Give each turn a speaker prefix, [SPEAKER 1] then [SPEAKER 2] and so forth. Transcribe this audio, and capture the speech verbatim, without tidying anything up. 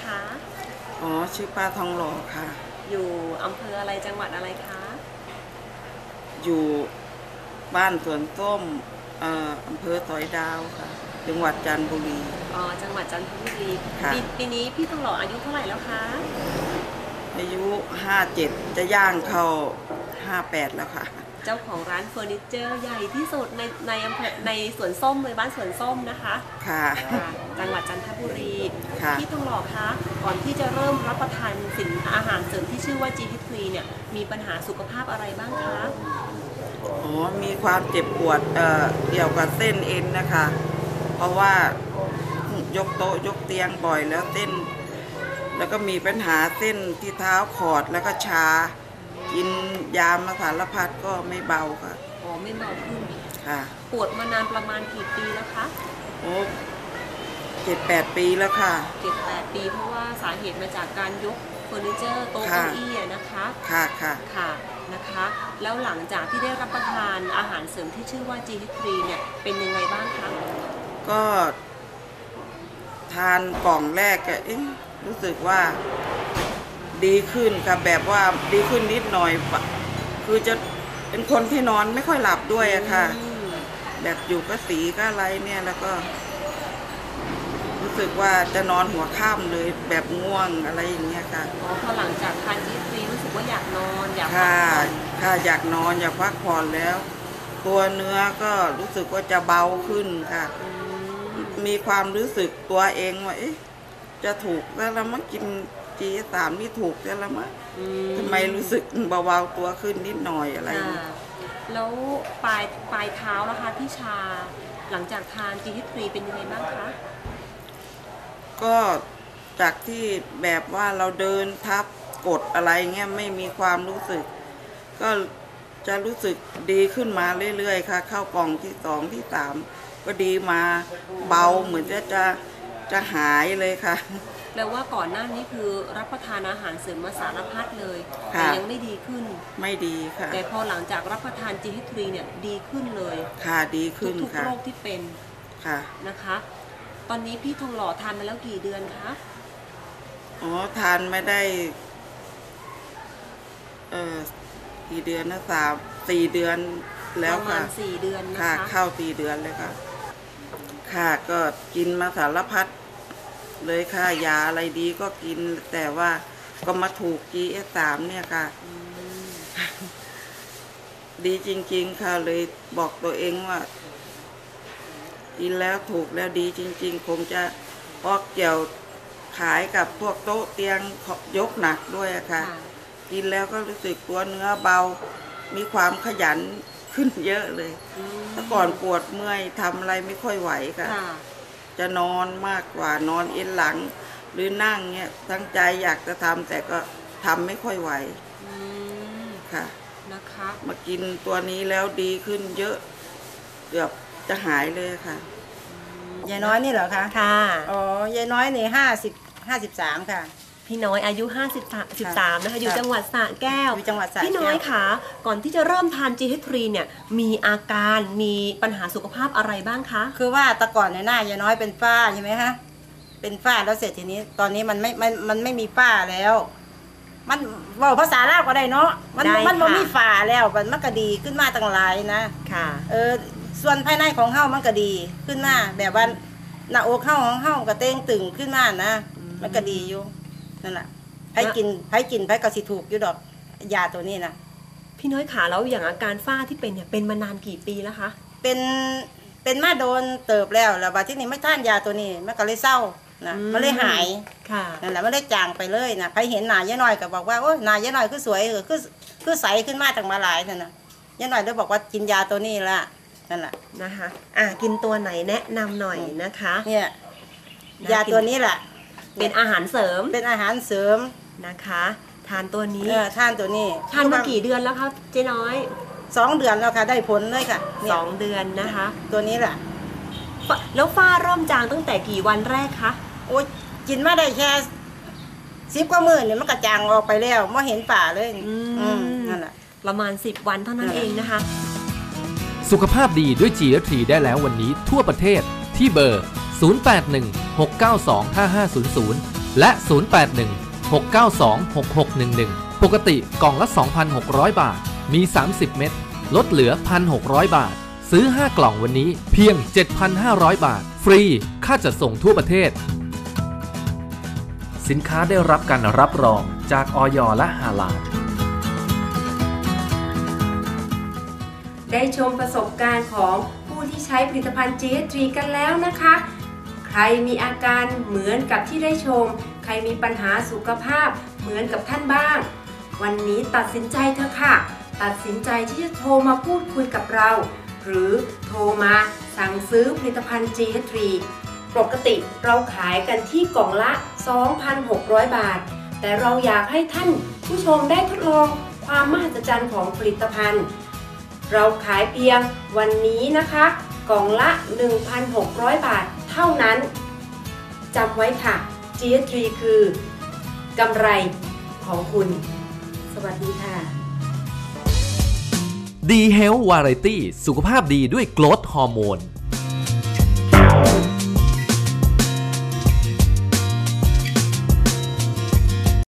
[SPEAKER 1] คะ
[SPEAKER 2] อ๋อชื่อป้าทองหล่อค่ะ
[SPEAKER 1] อยู่อำเภออะไรจังหวัดอะไรคะ
[SPEAKER 2] อยู่บ้านสวนส้มเอ่ออำเภอสอยดาวค่ะจังหวัดจันทบุรี
[SPEAKER 1] อ๋อจังหวัดจันทบุรีปปีนี้พี่ทองหล่ออายุเท่าไหร่แล้วคะ
[SPEAKER 2] อายุห้าเจ็ดจะย่างเข้าห้าแปดแล้วค่ะ
[SPEAKER 1] เจ้าของร้านเฟอร์นิเจอร์ใหญ่ที่สุดในในอำเภอในสวนส้มเลยบ้านสวนส้มนะคะ
[SPEAKER 2] ค่ะ
[SPEAKER 1] จังหวัดจันทบุรีพี่ทองหล่อคะก่อนที่จะเริ่มรับประทานสินอาหารเสริมที่ชื่อว่า จี เอช ทรี เนี่ยมีปัญหาสุขภาพอะไรบ้างคะ
[SPEAKER 2] อ๋อมีความเจ็บปวดเอ่อเกี่ยวกับเส้นเอ็นนะคะเพราะว่ายกโต๊ะยกเตียงบ่อยแล้วเส้นแล้วก็มีปัญหาเส้นที่เท้าขอดแล้วก็ชากินยามาสารพัดก็ไม่เบาค่ะ
[SPEAKER 1] อ๋อไม่เบาขึ้น
[SPEAKER 2] ค่ะ
[SPEAKER 1] ปวดมานานประมาณกี่ปีแล้วคะ
[SPEAKER 2] โอ้เจ็ดแปดปีแล้วค่ะ
[SPEAKER 1] เจ็ดแปดปีเพราะว่าสาเหตุมาจากการยกเฟอร์นิเจอร์โต๊ะเก้าอี้นะคะ
[SPEAKER 2] ค่ะค่ะ
[SPEAKER 1] ค่ะนะคะแล้วหลังจากที่ได้รับประทานอาหารเสริมที่ชื่อว่า จี เอช ทรี เนี่ยเป็นยังไงบ้างคะ
[SPEAKER 2] ก็ทานกล่องแรกเอ๊ะรู้สึกว่าดีขึ้นค่ะแบบว่าดีขึ้นนิดหน่อยคือจะเป็นคนที่นอนไม่ค่อยหลับด้วยอะค่ะแบบอยู่ก็สีก็อะไรเนี่ยแล้วก็รู้สึกว่าจะนอนหัวค่ำเลยแบบง่วงอะไรอย่างเงี้ยค่ะ
[SPEAKER 1] อ๋อพอหลังจากทาน จี เอช ทรี รู้สึกว่าอยากนอนอยากพัก
[SPEAKER 2] ผ่
[SPEAKER 1] อน
[SPEAKER 2] ค่ะอยากนอนอยากพักผ่อนแล้วตัวเนื้อก็รู้สึกว่าจะเบาขึ้นค่ะมีความรู้สึกตัวเองว่าเอ๊ะจะถูกแล้วละมั้งกิน จี สาม นี่ถูกแล้วละมั้งทำไมรู้สึกเบาๆตัวขึ้นนิดหน่อยอะไร
[SPEAKER 1] แล้วปลายปลายเท้าแล้วคะที่ชาหลังจากทาน จี เอช ทรี เป็นยังไงบ้างคะ
[SPEAKER 2] ก็จากที่แบบว่าเราเดินทับกดอะไรเงี้ยไม่มีความรู้สึกก็จะรู้สึกดีขึ้นมาเรื่อยๆค่ะเข้ากล่องที่สองที่สามก็ดีมาเบาเหมือนจะจะจะหายเลยค่ะ
[SPEAKER 1] แปลว่าก่อนหน้านี้คือรับประทานอาหารเสริมมาสารพัดเลยแต่ยังไม่ดีขึ้น
[SPEAKER 2] ไม่ดีค่ะ
[SPEAKER 1] แต่พอหลังจากรับประทาน จี เอช ทรี เนี่ยดีขึ้นเลย
[SPEAKER 2] ค่ะดีขึ้น
[SPEAKER 1] ทุกโรคที่เป็น
[SPEAKER 2] ค่ะ
[SPEAKER 1] นะคะตอนนี้พี่ทองหล่อทานมาแล้วกี่เดือนคะ
[SPEAKER 2] อ๋อทานไม่ได้เออกี่เดือนนะสามสี่เดือนแล้วค่ะ
[SPEAKER 1] ประมาณสี่เดือนนะคะ
[SPEAKER 2] ค่ะเข้าสี่เดือนเลยค่ะค่ะก็กินมาสารพัดเลยค่ะยาอะไรดีก็กินแต่ว่าก็มาถูก จี เอส สาม เนี่ยค่ะดีจริงๆค่ะเลยบอกตัวเองว่ากินแล้วถูกแล้วดีจริงๆคงจะพอเกี่ยวขายกับพวกโต๊ะเตียงยกหนักด้วยค่ะกินแล้วก็รู้สึกตัวเนื้อเบามีความขยันขึ้นเยอะเลยแต่ก่อนปวดเมื่อยทำอะไรไม่ค่อยไหวค่ะจะนอนมากกว่านอนเอ็นหลังหรือนั่งเนี่ยตั้งใจอยากจะทำแต่ก็ทำไม่ค่อยไหวค่ะ
[SPEAKER 1] นะคะ
[SPEAKER 2] มากินตัวนี้แล้วดีขึ้นเยอะเกือบจะหายเลยค่ะ
[SPEAKER 3] ยายน้อยนี่เหรอคะ
[SPEAKER 1] ค่ะ
[SPEAKER 3] อ๋อยายน้อยนี่ห้าสิบห้าสิบสามค่ะ
[SPEAKER 1] พี่น้อยอายุห้าสิบสามนะคะอยู่จังหวัดสระแก้ว
[SPEAKER 3] อยู่จังหวัดสระแก้ว
[SPEAKER 1] พี่น้อยค่ะก่อนที่จะเริ่มทาน จี เอช ทรี เนี่ยมีอาการมีปัญหาสุขภาพอะไรบ้างคะ
[SPEAKER 3] คือว่าแต่ก่อนในหน้ายายน้อยเป็นฝ้าใช่ไหมคะเป็นฝ้าแล้วเสร็จทีนี้ตอนนี้มันไม่มันมันไม่มีฝ้าแล้วมันบอกภาษาลาวก็ได้เนาะมันมันไม่มีฝ้าแล้วมันมันก็ดีขึ้นมาตั้งหลายนะ
[SPEAKER 1] ค่ะ
[SPEAKER 3] เออส่วนภายในของเฮ้ามันก็ดีขึ้นมาแบบว่าหน้าอกเฮ้าของเฮ้าก็เต้งตึงขึ้นมานะมันก็ดีอยู่นั่นแหละไผ่กินไผ่กินไผ่ก็สิถูกอยู่ดอกยาตัวนี้นะ
[SPEAKER 1] พี่น้อยขาแล้วอย่างอาการฝ้าที่เป็นเนี่ยเป็นมานานกี่ปีแล้วคะ
[SPEAKER 3] เป็นเป็นมาโดนเติบแล้วแล้วบัดที่นี่ไม่ทานยาตัวนี้มันก็เลยเศร้านะมันเลยหาย
[SPEAKER 1] ค่ะ
[SPEAKER 3] นั่นแหละมันเลยจางไปเลยนะไผ่เห็นหน้ายายน้อยก็บอกว่าโอ้ยหน้ายายน้อยคือสวยคือคือใสขึ้นมาตั้งมาหลายนั่นนะยายน้อยเลยบอกว่ากินยาตัวนี้ละนั่นแหละ
[SPEAKER 1] นะคะอ่ะกินตัวไหนแนะนำหน่อยนะคะ
[SPEAKER 3] เนี่ยยาตัวนี้แหละ
[SPEAKER 1] เป็นอาหารเสริม
[SPEAKER 3] เป็นอาหารเสริม
[SPEAKER 1] นะคะทานตัวนี้
[SPEAKER 3] เออทานตัวนี้
[SPEAKER 1] ทานมากี่เดือนแล้วคะเจ๊น้อย
[SPEAKER 3] สองเดือนแล้วค่ะได้ผลเลยค่ะ
[SPEAKER 1] สองเดือนนะคะ
[SPEAKER 3] ตัวนี้แหละ
[SPEAKER 1] แล้วฝ้าเริ่มจางตั้งแต่กี่วันแรกคะ
[SPEAKER 3] โอ้ยกินมาได้แค่สิบกว่ามื้อเนี่ยมันก็จางออกไปแล้วไม่เห็นป่าเลยอืมนั่นแหละ
[SPEAKER 1] ประมาณสิบวันเท่านั้นเองนะคะ
[SPEAKER 4] สุขภาพดีด้วย จี เอช ทรี ได้แล้ววันนี้ทั่วประเทศที่เบอร์ศูนย์ แปด หนึ่ง หก เก้า สอง ห้า ห้า ศูนย์ ศูนย์และ ศูนย์ แปด หนึ่ง หก เก้า สอง หก หก หนึ่ง หนึ่ง ปกติกล่องละ สองพันหกร้อย บาท มี สามสิบ เม็ดลดเหลือ หนึ่งพันหกร้อย บาท ซื้อ ห้า กล่องวันนี้เพียง เจ็ดพันห้าร้อย บาท ฟรี ค่าจัดส่งทั่วประเทศ สินค้าได้รับการรับรองจากอย.และฮาลาล
[SPEAKER 5] ได้ชมประสบการณ์ของผู้ที่ใช้ผลิตภัณฑ์ จี เอส ทรี กันแล้วนะคะ ใครมีอาการเหมือนกับที่ได้ชม ใครมีปัญหาสุขภาพเหมือนกับท่านบ้าง วันนี้ตัดสินใจเถอะค่ะ ตัดสินใจที่จะโทรมาพูดคุยกับเรา หรือโทรมาสั่งซื้อผลิตภัณฑ์ จี เอส ทรี ปกติเราขายกันที่กล่องละ สองพันหกร้อย บาท แต่เราอยากให้ท่านผู้ชมได้ทดลองความมหัศจรรย์ของผลิตภัณฑ์เราขายเพียงวันนี้นะคะกล่องละ หนึ่งพันหกร้อย บาทเท่านั้นจำไว้ค่ะ จี เอส ทรี คือกำไรของคุณ สวัสดีค่ะ
[SPEAKER 4] ดี Health Variety สุขภาพดีด้วยโกรทฮอร์โมน